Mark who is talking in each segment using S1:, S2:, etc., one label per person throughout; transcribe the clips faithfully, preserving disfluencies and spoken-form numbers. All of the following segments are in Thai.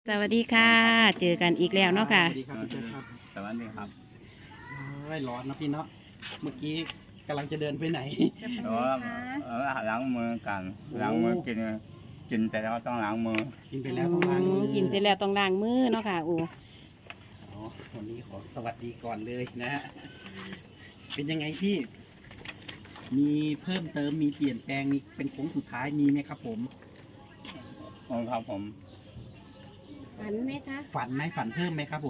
S1: สวัสดีค่ะ เจอกันอีกแล้วเนาะค่ะ
S2: สวัสดีครับพี่แจ๊คครับ
S3: สวัสดีครับ
S2: เอ้ยร้อนนะพี่เนาะเมื่อกี้กำลังจะเดินไปไหน
S1: จะไป
S3: เอ
S1: ไหน
S3: อ
S1: คะ
S3: เออล้างมือกัน
S2: โอ้
S3: ล้างมือกินกินแต่แล้วต้องล้างมือ
S2: กินไปแล้วต้องล้างมือ
S1: กินเสร็จแล้วต้องล้างมือเนาะค่ะโอ้
S2: อ๋อวันนี้ขอสวัสดีก่อนเลยนะฮะเป็นยังไงพี่ มีเพิ่มเติมมีเปลี่ยนแปลงมีเป็นโค้งสุดท้ายมีไหมครับผม
S3: องครับผม
S1: ฝันไหมคะ
S2: ฝันไหมฝันเพิ่มไหมครับผม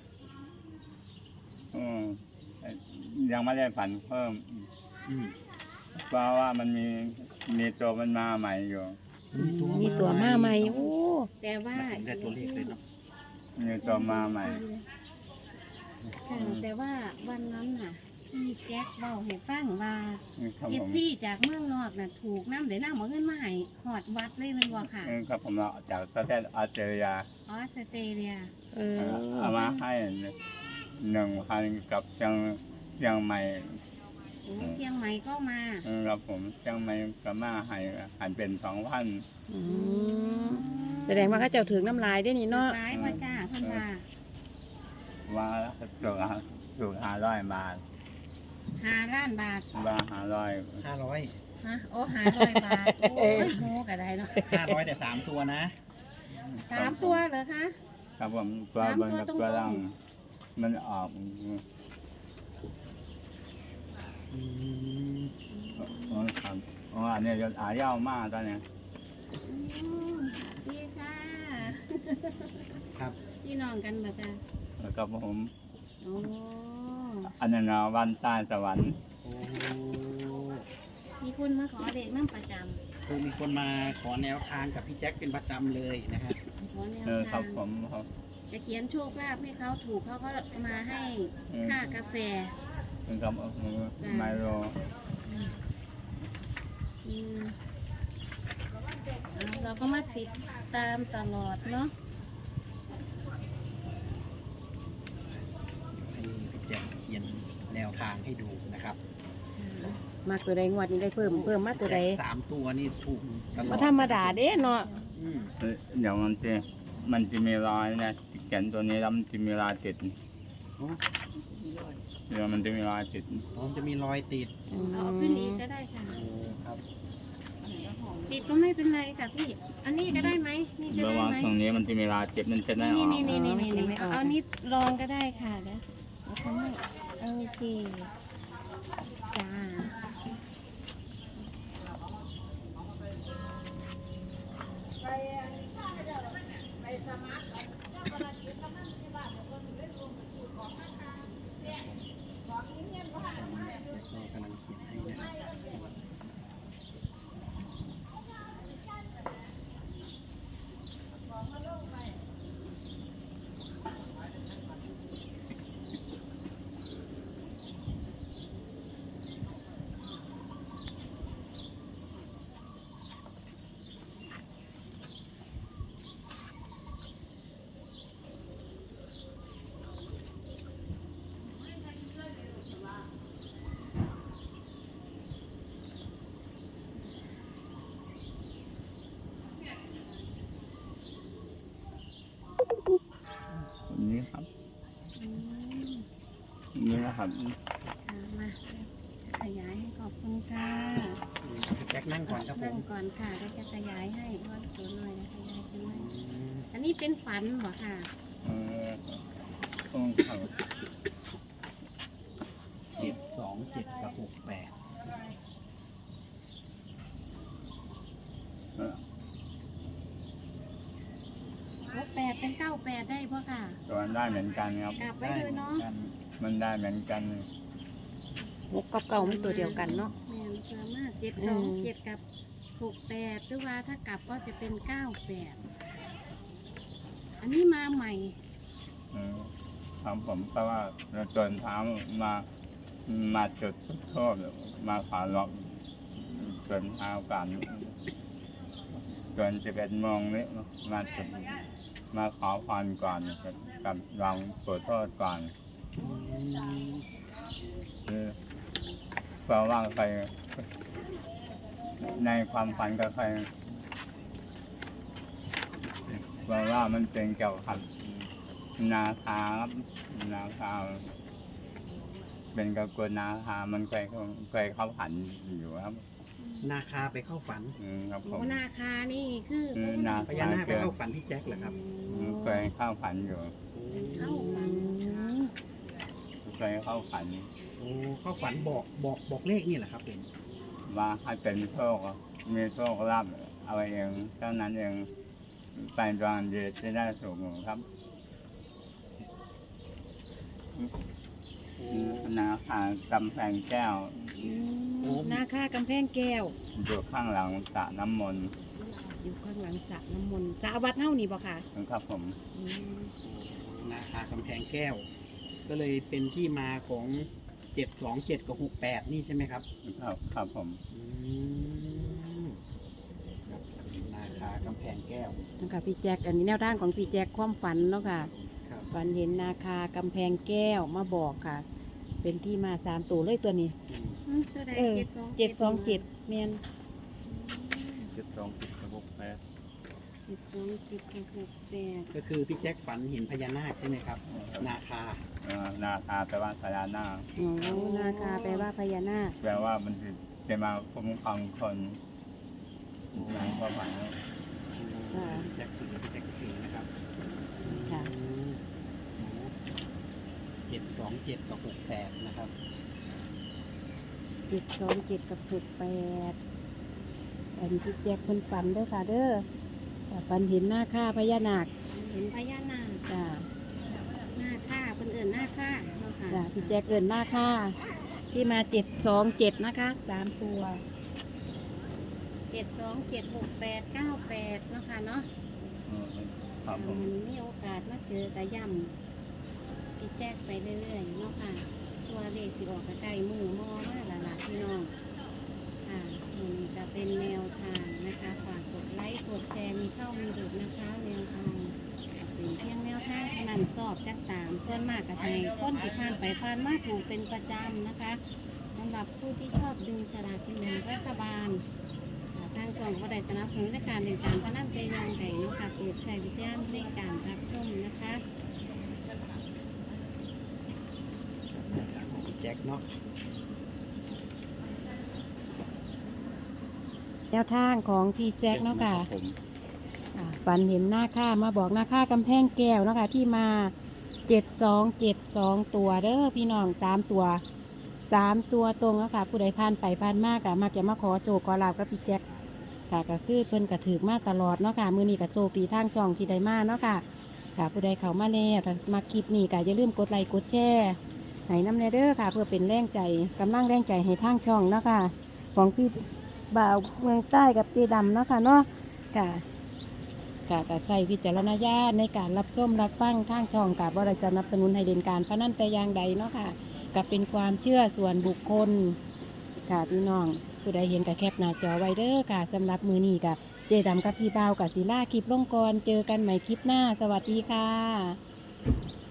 S3: อืมยังไม่ได้ฝันเพิ่ม
S2: อืม
S3: เพราะว่ามันมีมีตัวมันมาใหม่อยู่
S1: มีตัวมาใหม่โอ้
S4: แต่ว่า
S2: ได้ตัวเลขเลยเนาะ
S3: มีตัวมาใหม่
S4: ค่ะแต่ว่าวันนั้นน่ะพี่แจ็คเบาให้ฟังว่า
S3: ครับ
S4: เอ
S3: ผ
S4: ฟ
S3: ม
S4: ซีจากเมืองนอกน่ะถูกน้ำเดี๋ยวน้ำเอาเงินมาให้หอดวัดเลยแมันบ่ค่ะ
S3: เออครับผมเราจากประเทศออสเตรเลีย
S4: ออสเตรเลีย
S1: เออ
S3: เอามาให้หนึ่งพันกับเชียงเชียงใหม่
S4: โอ้เชียงใหม่ก็มา
S3: เออครับผมเชียงใหม่ก็มาให้หันเป็นสองพัน
S1: อืมแสดงว่าเขาเจ้าถึงน้ำลายได้นี่เนาะ
S4: ร้ายพ่อจ้าเพิ่นว่า
S3: ว่าสุกสุกห้าร้อยบาท
S4: ห้าล้านบาท
S3: ว่าห้าร้อย
S2: ห้าร้อย
S4: ฮะโอ้ห้าร้อยบาทโอ้ยโหก็ได้เนาะ
S2: ห้าร้อยแต่สามตัวนะ
S4: สามตัวเหรอคะ
S3: ครับผมตัวบนกับตัวล่างมันออก
S2: อืม
S3: อ๋อครับอ๋ออันนี้จะอายาวมากตอนนี้
S4: อืมดีค่ะ
S2: ครับ
S4: พี่น้องกันบ่จ้า
S3: แล้วก็ผม
S4: โอ้
S3: อันนั้นนะวันใต้สวรรค์
S2: โอ้
S4: มีคนมาขอเด็กน้ำประจำ
S2: คือมีคนมาขอแนวทางกับพี่แจ็คเป็นประจำเลยนะฮะ
S4: ขอแนว
S3: เออครั
S4: ทา
S3: บ
S4: ง
S3: ผมครับ
S4: จะเขียนโชคลาภให้เขาถูกเขาก็มาให้ค่ากาแฟ
S3: เป็นกับไมโล
S4: อืมเอาเราก็มาติดตามตลอดเนาะ
S2: ให้พี่แจ็คเขียนแนวทางให้ดูนะครับ
S1: มากตัวใดงวดนี้ได้เพิ่มเพิ่มมากตัวใด
S2: สามตัวนี่ถูกตลอ
S1: ก็
S2: ด
S1: ธรรมดาเด้เนาะ
S2: อืม
S3: เดี๋ยวมันจะมันจะมีรอยนะแขนตัวนี้แล้วมันจะมีรอยติด
S2: โอ้
S3: เดี๋ยวมันจะมีรอยติด
S2: อ๋อมันจะมีรอยติด
S1: อืม
S4: เอาขึ้นอีกก็ได้ค่ะ
S2: โอ้ครับ
S4: ติดก็ไม่เป็นไรค่ะพี่ อันนี้ก็ได้ไหมนี่ก็
S3: ระ
S4: ได้
S3: หว่าง
S4: ไหม
S3: ตรงนี้มันจะมีรอยเจ็บมันจะได้อ
S4: นี่
S3: อก
S4: นี่นี่นี่นี่นี่เอาเอานี้ลองก็ได้ค่ะเดี๋ยวเอาทำให้โอเคจ้า
S2: ก็กำลังเขียนให้นะครับ
S3: นี่ครับ
S4: อืม
S3: นี่นะครับ
S4: อ่ามาขยายให้ขอบคุณค่ะ
S2: พี่แจ็คนั่งก่อนครับผ
S4: นั่ง
S2: ม
S4: ก่อนค่ะแล้วจะขยายให้ว่าสวยหน่อยนะขยายขึ้นมา
S2: อืม
S4: อันนี้เป็นฝันเหรอค่ะ
S3: เออต้องเขา
S2: เจ็ดสองเจ็ดกับหกแปด
S3: เออ
S4: หกแปดเป็นเก้าแปดได้ปะค่ะ
S3: ตัวนั้นได้เหมือนกันครับ
S4: กลับไว้เลยเนาะ
S2: กัน
S3: มันได้เหมือนกัน
S1: หกกับเก่ามันตัวเดียวกันเนาะ
S4: แม่นเพิ่มมากเจ็ด
S1: อื
S4: สอง
S1: ม
S4: เจ็ดกับหกแปดหรือว่าถ้ากลับก็จะเป็นเก้าแปดอันนี้มาใหม่
S3: เออครับผมเพราะว่าเราจนเท้ามามาจุดโทษมาขอล็อกจนเท้ากันจนจะเป็นโมงนี้มาจุดมาขอพรก่อนกับลองขอโทษก่อน
S2: อืม
S3: คือเพราะว่าใครในความฝันก็ใคร ว่าราะว่ามันเป็นเกี่ยวกับนาคาครับนาคาเป็นกับกวนนาคามันเคยเคยเข้าฝันอยู่ครับ
S2: นาคาไปเข้าฝัน
S3: อืมครับผ
S4: โอ้
S3: ม
S4: นาคานี่คือ
S3: คือนา
S2: พญานาคไปเข้าฝันพี่แจ็คเหรอครับ
S3: เคยเข้าฝันอยู่
S4: เข้าฝัน
S3: เคยเข้าฝัน
S2: โอ้เข้าฝันบอกบอกบอกเลขนี่แหละครับผม
S3: ว่าให้เป็นโชคมีโชคลาภเอาเองเท่านั้นเองไปดวงดีจะได้สูงครับ
S2: โอ้
S3: นาคากำแพงแก้ว
S1: อืมนาคากำแพงแก้ว
S3: อยู่ข้างหลังสระน้ำมนต์
S1: อยู่ข้างหลังสระน้ำมนต์สระวัดเท่านี่บ่ค่ะ
S3: นะครับผม
S1: อืม
S2: นาคากำแพงแก้ว ก็เลยเป็นที่มาของเจ็ดสองเจ็ดกับหกแปดนี่ใช่ไหมครับ
S3: ครับครับผม
S2: อืมครับนาคากำแพงแก้ว
S1: นั่นค่ะพี่แจ็คอันนี้แนวทางของพี่แจ็คความฝันเนาะค่ะ
S2: ครับ
S1: ฝันเห็นนาคากำแพงแก้วมาบอกค่ะ เป็นที่มาสามตัวเลยตัวนี้
S2: อืม
S4: อืมตัวใด
S1: เออ
S4: เจ็ดสอง
S1: เจ็ดสองเจ็ดเมียน
S3: เจ็ดสองเจ็ดหกแปด
S4: เจ็ดสองเจ็ดหกหกแปด
S2: ก็คือพี่แจ็คฝันเห็นพญานาคใช่ไหมครับ นาคา
S3: นาคาแปลว่าพญานาค
S1: อ๋อนาคาแปลว่าพญานาค
S3: แปลว่ามันจะจะมาคุ้มครองคนในความหมาย
S2: พี่แจ็คถือพี่แจ็คถือนะครับ
S1: ค่ะ
S2: เจ็ดสองเจ็ดกับหกแปดนะครับ
S1: เจ็ดสองเจ็ดกับหกแปดอันที่แจ็คเพิ่นฝันเด้อค่ะเด้อแต่ฝันเห็นหน้าค่าพญานาค
S4: เห็นพญานาค
S1: จ้า
S4: หน้าค่าเพิ่นเอิ่นหน้าค่าเนาะค่ะ
S1: จ้าพี่แจ็คเอินหน้าค่าที่มาเจ็ดสองเจ็ดนะคะสามตัว
S4: เจ็ดสองเจ็ดหกแปดเก้าแปดเนาะค่ะเนาะ
S3: ครับผม
S4: วันนี้มีโอกาสมาเจอกระย่ำพี่แจ๊กไปเรื่อยๆเนาะค่ะตัวเลขสิออกกระไก่มือมอมาและล่ะพี่น้องค่ะมันจะเป็นแนวทางนะคะฝากกดไลค์กดแชร์มีเข้ามีหลุดนะคะแนวทางสิ่งเพียงแนวทางเท่านั้นสอบจักตามส่วนมากกับไทยคนที่ผ่านไปผ่านมาถูกเป็นประจำนะคะสำหรับผู้ที่ชอบดึงสลากกินแบ่งรัฐบาล ทางกล่องก็ได้สนับสนุนในการเดินการพนันใจยองไก่นาะคะโปรดใช้วิจารณญาณในการรับชมนะคะ
S2: พี่แจ็คเนาะ
S1: แนวทางของพี่แจ็คเนาะค่ะ
S3: ผม
S1: อ่าฝันเห็นหน้าค่ามาบอกหน้าค่ากำแพงแก้วเนาะค่ะที่มาเจ็ดสองเจ็ดสองตัวเด้อพี่น้องสามตัวสามตัวตรงแล้วค่ะผู้ใดผ่านไปผ่านมากอะมักจะมาขอโจกขอลาบกับพี่แจ็คค่ะก็คือเพิ่นกระถือมาตลอดเนาะค่ะมือนี้กับโชคดีทางช่องที่ได้มาเนาะค่ะค่ะผู้ใดเข้ามาแล้วถ้ามาคลิปนี้ก็อย่าลืมกดไลค์กดแชร์ให้น้ำในเด้อค่ะ เพื่อเป็นแรงใจกำลังแรงใจให้ทางช่องเนาะค่ะของพี่บ่าวเมืองใต้กับเจดำเนาะค่ะเนาะค่ะ กะกะใช้วิจารณญาณในการรับชมรับฟังทางช่องกับว่าเราจะสนับสนุนให้เด่นการพนันแต่อย่างใดเนาะค่ะก็เป็นความเชื่อส่วนบุคคลค่ะพี่น้องผู้ใดเห็นกับแคปหน้าจอไว้เด้อค่ะสำหรับมือนี้กับเจดำกับพี่บ่าวกับศิลาคลิปลงกรเจอกันใหม่คลิปหน้าสวัสดีค่ะ